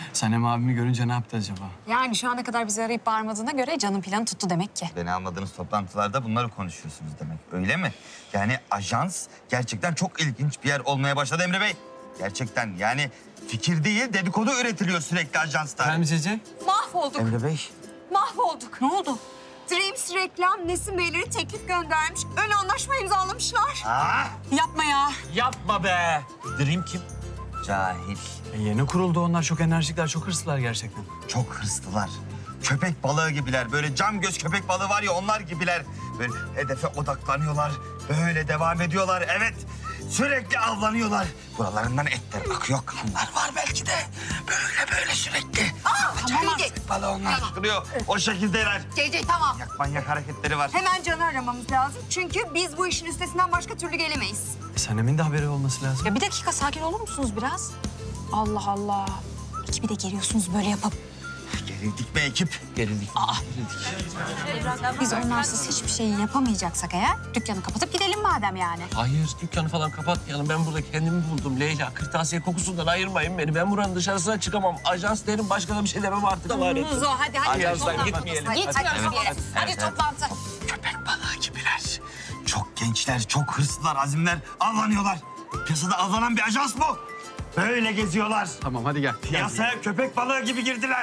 Sanem abimi görünce ne yaptı acaba? Yani şu ana kadar bizi arayıp bağırmadığına göre canın planı tuttu demek ki. Beni almadığınız toplantılarda bunları konuşuyorsunuz demek. Öyle mi? Yani ajans gerçekten çok ilginç bir yer olmaya başladı Emre Bey. Gerçekten yani fikir değil dedikodu üretiliyor sürekli ajansta. Efendim Cece? Mahvolduk, Emre Bey. mahvolduk. Ne oldu? Dreams Reklam Nesin Beyleri teklif göndermiş. Ön anlaşma imzalamışlar. Aa, Yapma ya. Yapma be. Dream kim? cahil. Yeni kuruldu onlar. Çok enerjikler, çok hırslılar gerçekten. Çok hırslılar. Köpek balığı gibiler. Böyle cam göz köpek balığı var ya onlar gibiler. Böyle hedefe odaklanıyorlar. Böyle devam ediyorlar. Evet. Sürekli avlanıyorlar. Buralarından etler akıyor. Kanlar var belki de. Böyle sürekli. Tamam. Köpek balığı onlar çıkıyor. O şekildeler. CC tamam. Manyak hareketleri var. Hemen Can'ı aramamız lazım. Çünkü biz bu işin üstesinden başka türlü gelemeyiz. Sanem'in de haberi olması lazım. Ya bir dakika sakin olur musunuz biraz? Allah Allah. Ekibi de geriyorsunuz böyle yapıp. Gerildik mi ekip? Gerildik. Biz onlarsız hiçbir şey yapamayacaksak eğer dükkanı kapatıp gidelim madem yani. Hayır, dükkanı falan kapatmayalım. Ben burada kendimi buldum Leyla. Kırtasiye kokusundan ayırmayın beni. Ben buranın dışarısına çıkamam. Ajans derim, başka da bir şey demem artık. Muzo hadi Ajanstan toplantı. gitmeyelim. Gitmiyoruz bir yere. Hadi evet. toplantı. Köpek balığı gibiler. Çok gençler, çok hırslılar, azimler. Avlanıyorlar. Piyasada avlanan bir ajans bu. Böyle geziyorlar. Tamam hadi gel. Piyasaya köpek balığı gibi girdiler.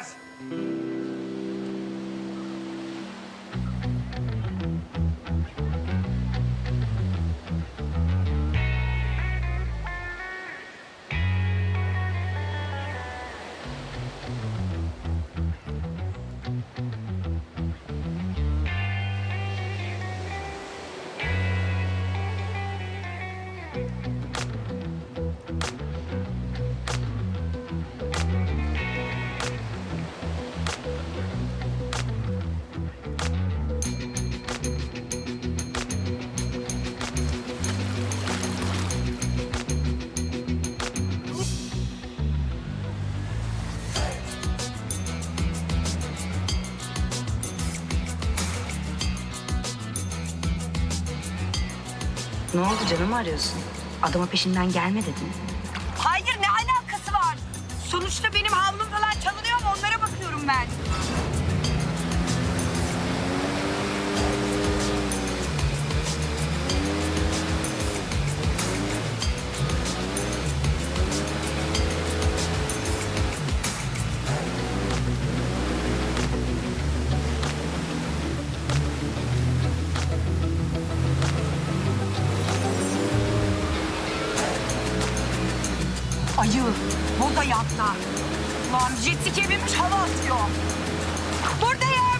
Ne oldu canım arıyorsun? Adama peşinden gelme dedin. Hayır ne alakası var? Sonuçta benim havlum falan çalınıyor mu onlara bakıyorum ben. Ayı, moda yatta. Lan jet ski binmiş hava atıyor. Buradayım.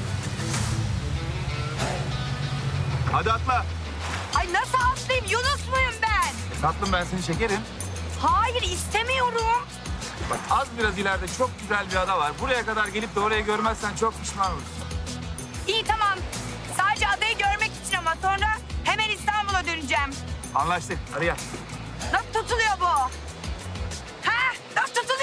Hadi atla. Ay nasıl atlayayım? Yunus muyum ben? Tatlım ben seni çekerim. Hayır istemiyorum. Bak az biraz ileride çok güzel bir ada var. Buraya kadar gelip de orayı görmezsen çok pişman olursun. İyi tamam. Sadece adayı görmek için ama sonra hemen İstanbul'a döneceğim. Anlaştık. Hadi gel. Nasıl tutuluyor bu? Ha? Nasıl tutuluyor?